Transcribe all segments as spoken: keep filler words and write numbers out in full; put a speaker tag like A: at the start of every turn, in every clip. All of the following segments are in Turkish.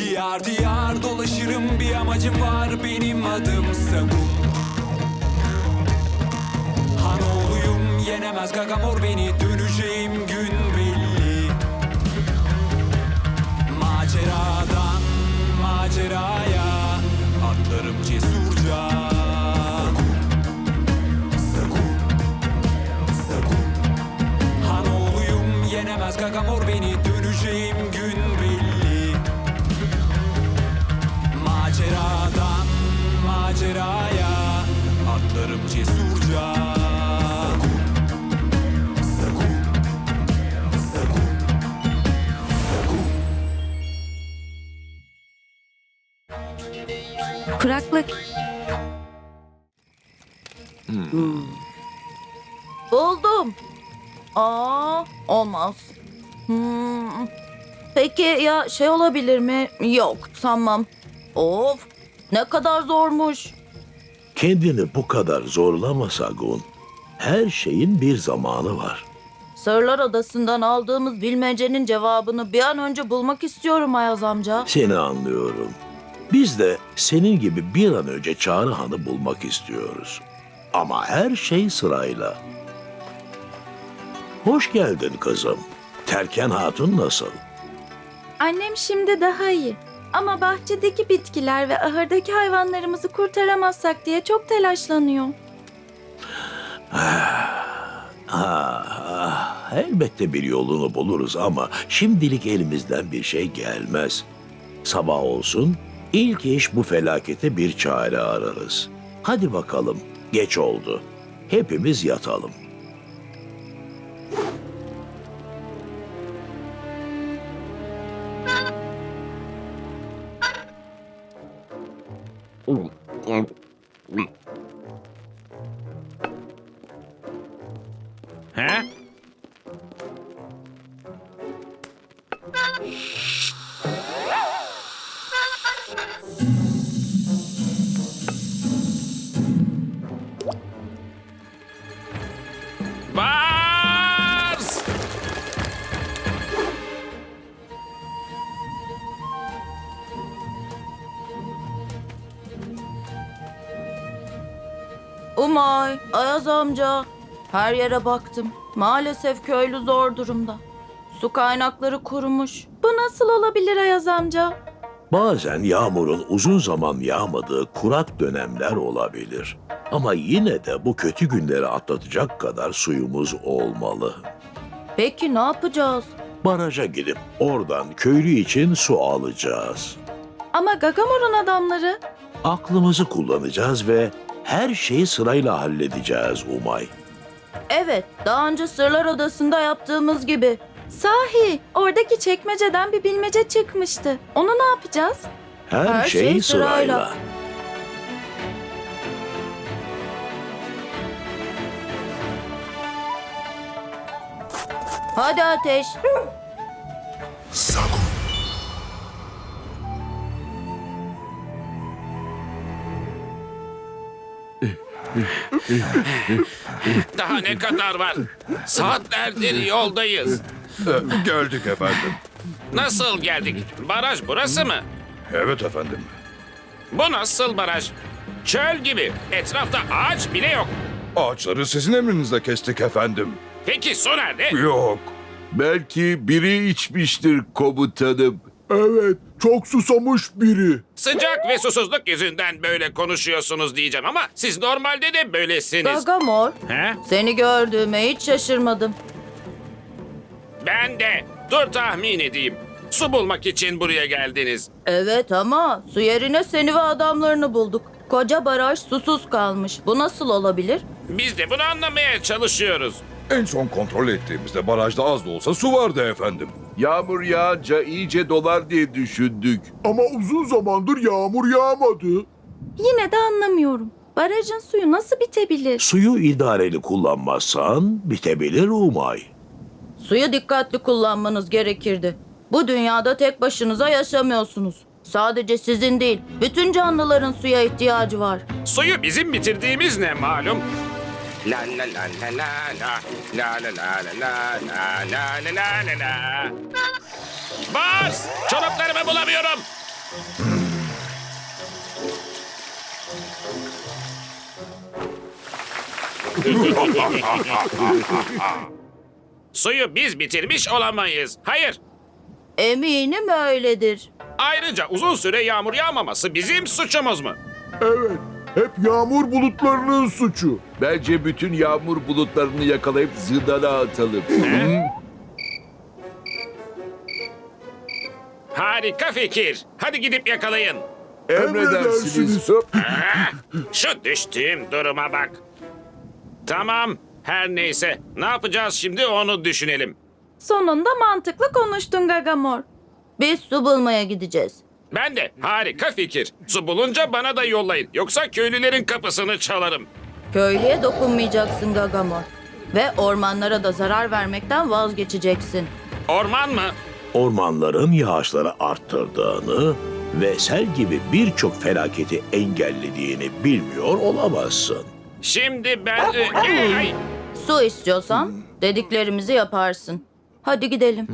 A: Diyar diyar dolaşırım, bir amacım var, benim adım Sagu. Hanoğluyum, yenemez Gagamor beni, döneceğim gün belli. Maceradan maceraya atlarım cesurca. Sagu, Sagu, Hanoğluyum, yenemez Gagamor beni, döneceğim gün belli. Maceradan maceraya atlarım cesurca. Sagu, Sagu, Sagu.
B: Kuraklık. Hmm. Buldum. Aa, olmaz. Hmm. Peki ya şey olabilir mi? Yok, sanmam. Of, ne kadar zormuş.
C: Kendini bu kadar zorlama Sagun. Her şeyin bir zamanı var.
B: Sırlar Adası'ndan aldığımız bilmecenin cevabını bir an önce bulmak istiyorum Ayaz amca.
C: Seni anlıyorum. Biz de senin gibi bir an önce Çağrı Han'ı bulmak istiyoruz. Ama her şey sırayla. Hoş geldin kızım. Terken Hatun nasıl?
D: Annem şimdi daha iyi. Ama bahçedeki bitkiler ve ahırdaki hayvanlarımızı kurtaramazsak diye çok telaşlanıyor.
C: Ah, ah, elbette bir yolunu buluruz ama şimdilik elimizden bir şey gelmez. Sabah olsun, ilk iş bu felakete bir çare ararız. Hadi bakalım, geç oldu. Hepimiz yatalım.
E: He? Bars!
B: Umay, Ayaz amca. Her yere baktım. Maalesef köylü zor durumda. Su kaynakları kurumuş.
D: Bu nasıl olabilir Ayaz amca?
C: Bazen yağmurun uzun zaman yağmadığı kurak dönemler olabilir. Ama yine de bu kötü günleri atlatacak kadar suyumuz olmalı.
B: Peki ne yapacağız?
C: Baraja gidip oradan köylü için su alacağız.
D: Ama Gagamor'un adamları.
C: Aklımızı kullanacağız ve her şeyi sırayla halledeceğiz Umay.
B: Evet, daha önce Sırlar Adası'nda yaptığımız gibi.
D: Sahi, oradaki çekmeceden bir bilmece çıkmıştı. Onu ne yapacağız?
C: Her,
B: Her
C: şey,
B: şey
C: sırayla.
B: sırayla. Hadi Ateş.
A: Sagu.
E: Daha ne kadar var? Saatlerdir yoldayız.
F: Geldik efendim.
E: Nasıl geldik? Baraj burası mı?
F: Evet efendim.
E: Bu nasıl baraj? Çöl gibi. Etrafta ağaç bile yok.
F: Ağaçları sizin emrinizle kestik efendim.
E: Peki su nerede?
F: Yok.
G: Belki biri içmiştir komutanım. Evet, çok susamış biri.
E: Sıcak ve susuzluk yüzünden böyle konuşuyorsunuz diyeceğim ama siz normalde de böylesiniz.
B: Gagamor,
E: He?
B: seni gördüğüme hiç şaşırmadım.
E: Ben de. Dur tahmin edeyim. Su bulmak için buraya geldiniz.
B: Evet ama su yerine seni ve adamlarını bulduk. Koca baraj susuz kalmış. Bu nasıl olabilir?
E: Biz de bunu anlamaya çalışıyoruz.
F: En son kontrol ettiğimizde barajda az da olsa su vardı efendim.
G: Yağmur yağınca iyice dolar diye düşündük.
H: Ama uzun zamandır yağmur yağmadı.
D: Yine de anlamıyorum. Barajın suyu nasıl bitebilir?
C: Suyu idareli kullanmazsan bitebilir Umay.
B: Suyu dikkatli kullanmanız gerekirdi. Bu dünyada tek başınıza yaşamıyorsunuz. Sadece sizin değil, bütün canlıların suya ihtiyacı var.
E: Suyu bizim bitirdiğimiz ne malum? La la la la la la la la la la la la la la la la la. Bars! Çoraplarımı bulamıyorum. Suyu biz bitirmiş olamayız. Hayır.
B: Eminim öyledir.
E: Ayrıca uzun süre yağmur yağmaması bizim suçumuz mu?
H: Evet. Hep yağmur bulutlarının suçu.
G: Bence bütün yağmur bulutlarını yakalayıp zindana atalım. Hı?
E: Harika fikir. Hadi gidip yakalayın.
G: Emredersiniz. Hop.
E: Şu düştüğüm duruma bak. Tamam. Her neyse. Ne yapacağız şimdi onu düşünelim.
D: Sonunda mantıklı konuştun Gagamor.
B: Biz su bulmaya gideceğiz.
E: Ben de harika fikir. Su bulunca bana da yollayın. Yoksa köylülerin kapısını çalarım.
B: Köylüye dokunmayacaksın Gagamor. Ve ormanlara da zarar vermekten vazgeçeceksin.
E: Orman mı?
C: Ormanların yağışları arttırdığını ve sel gibi birçok felaketi engellediğini bilmiyor olamazsın.
E: Şimdi ben... e, ay,
B: Su istiyorsan dediklerimizi yaparsın. Hadi gidelim.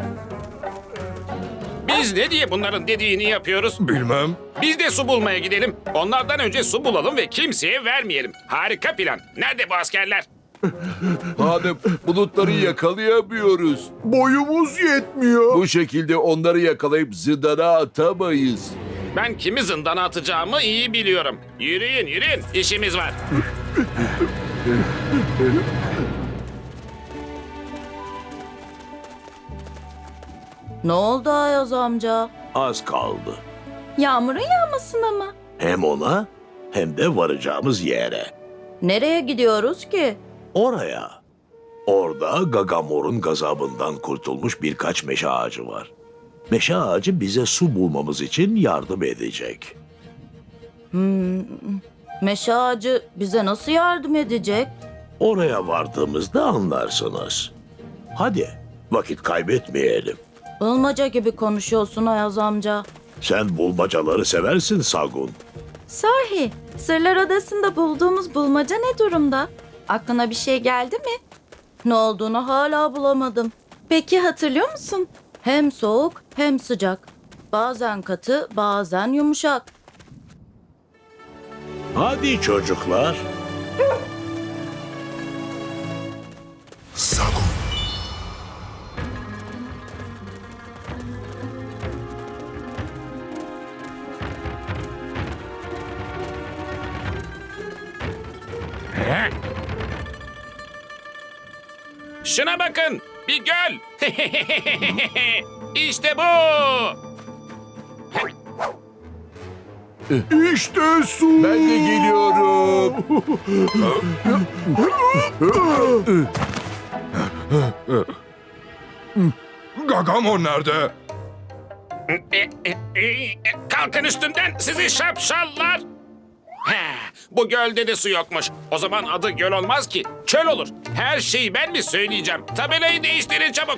E: biz ne diye bunların dediğini yapıyoruz?
F: Bilmem.
E: Biz de su bulmaya gidelim. Onlardan önce su bulalım ve kimseye vermeyelim. Harika plan. Nerede bu askerler?
G: Hanım, bulutları yakalayamıyoruz.
H: Boyumuz yetmiyor.
G: Bu şekilde onları yakalayıp zindana atamayız.
E: Ben kimi zindana atacağımı iyi biliyorum. Yürüyün yürüyün. İşimiz var.
B: Ne oldu Ayaz amca?
C: Az kaldı.
D: Yağmurun yağmasına mı?
C: Hem ona hem de varacağımız yere.
B: Nereye gidiyoruz ki?
C: Oraya. Orada Gagamor'un gazabından kurtulmuş birkaç meşe ağacı var. Meşe ağacı bize su bulmamız için yardım edecek.
B: Meşe ağacı bize nasıl yardım edecek?
C: Oraya vardığımızda anlarsınız. Hadi vakit kaybetmeyelim.
B: Bulmaca gibi konuşuyorsun Ayaz amca.
C: Sen bulmacaları seversin Sagun.
D: Sahi, Sırlar Odası'nda bulduğumuz bulmaca ne durumda? Aklına bir şey geldi mi?
B: Ne olduğunu hala bulamadım.
D: Peki hatırlıyor musun?
B: Hem soğuk hem sıcak. Bazen katı, bazen yumuşak.
C: Hadi çocuklar.
E: Şuna bakın. Bir göl. İşte bu.
H: İşte su.
G: Ben de geliyorum.
F: Gagamor nerede?
E: E, e, e, Kalkın üstümden sizi şapşallar. He, bu gölde de su yokmuş. O zaman adı göl olmaz ki. Çöl olur. Her şeyi ben mi söyleyeceğim? Tabelayı değiştirin çabuk.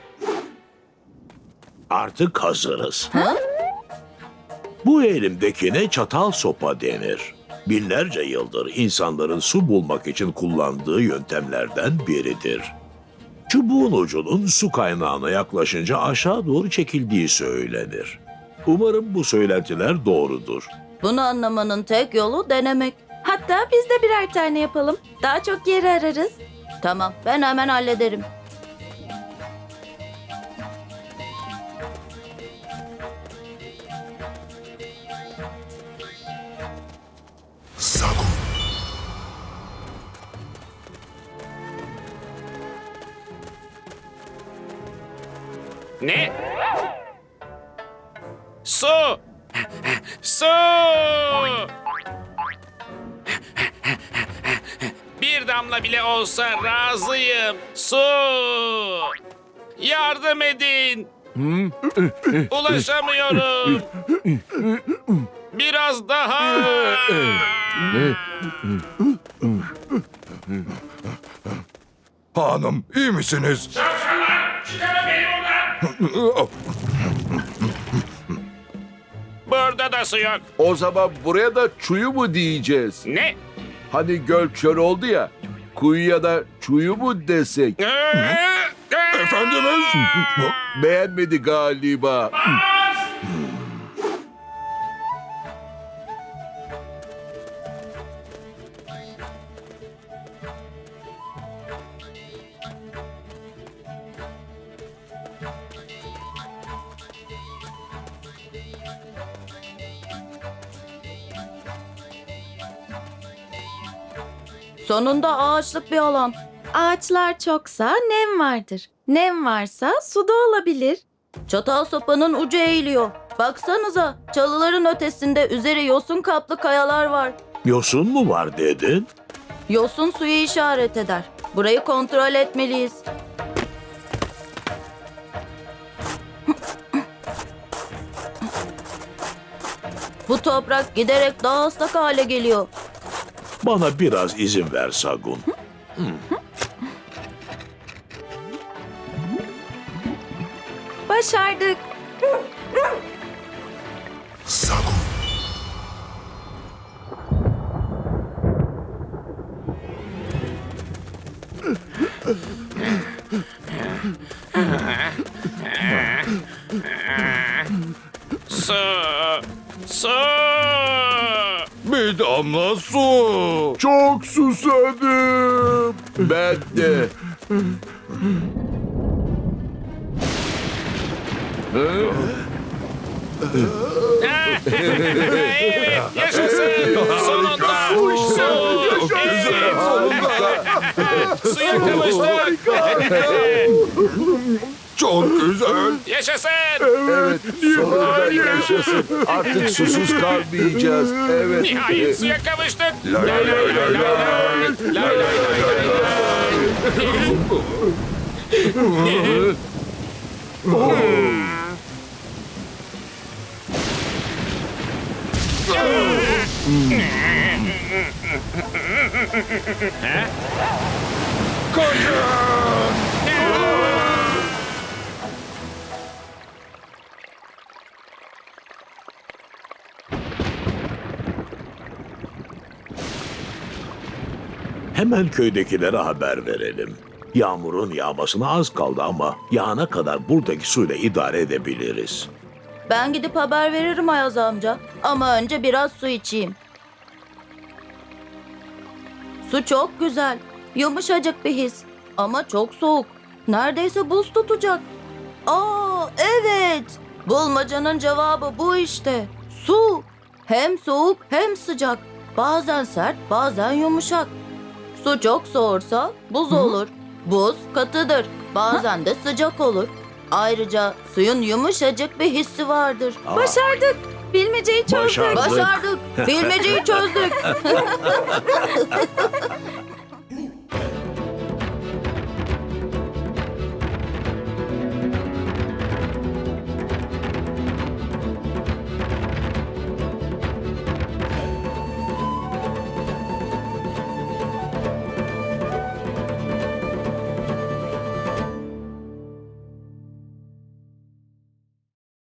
C: Artık hazırız. Bu elimdekine çatal sopa denir. Binlerce yıldır insanların su bulmak için kullandığı yöntemlerden biridir. Çubuğun ucunun su kaynağına yaklaşınca aşağı doğru çekildiği söylenir. Umarım bu söylentiler doğrudur.
B: Bunu anlamanın tek yolu denemek.
D: Hatta biz de birer tane yapalım. Daha çok yeri ararız.
B: Tamam, ben hemen hallederim.
E: Ne? Su! Su! Bir damla bile olsa razıyım. Su! Yardım edin. Ulaşamıyorum. Biraz daha.
F: Hanım, iyi misiniz?
E: Burada da su yok.
G: O zaman buraya da çuyu mu diyeceğiz?
E: Ne?
G: Hani göl çöl oldu ya. Kuyuya da çuyu mu desek?
F: Efendimiz?
G: Beğenmedi galiba.
B: Sonunda ağaçlık bir alan.
D: Ağaçlar çoksa nem vardır. Nem varsa su da olabilir.
B: Çatal sopanın ucu eğiliyor. Baksanıza, çalıların ötesinde üzeri yosun kaplı kayalar var.
C: Yosun mu var dedin?
B: Yosun suyu işaret eder. Burayı kontrol etmeliyiz. Bu toprak giderek daha ıslak hale geliyor.
C: Bana biraz izin ver Sagun.
D: Başardık.
E: Su. Su.
F: Bir damla su.
H: Çok susadım.
G: Ben de.
E: Evet, yaşasın. Sonunda. Su. Evet. Suya kavuştuk.
F: Çok güzel.
E: Yaşasın.
G: Evet, sonunda yaşasın. Artık susuz kalmayacağız. Evet.
E: Nihayet suya kavuştuk.
F: Lay lay lay lay lay.
E: Lay lay lay lay.
C: Hemen köydekilere haber verelim. Yağmurun yağmasına az kaldı ama yağana kadar buradaki suyla idare edebiliriz.
B: Ben gidip haber veririm Ayaz amca. Ama önce biraz su içeyim. Su çok güzel. Yumuşacık bir his. Ama çok soğuk. Neredeyse buz tutacak. Aa, evet. Bulmacanın cevabı bu işte. Su. Hem soğuk hem sıcak. Bazen sert, bazen yumuşak. Su çok soğursa buz olur. Buz katıdır. Bazen de sıcak olur. Ayrıca suyun yumuşacık bir hissi vardır.
D: Başardık. Bilmeceyi çözdük.
C: Başardık.
B: Başardık. Bilmeceyi çözdük.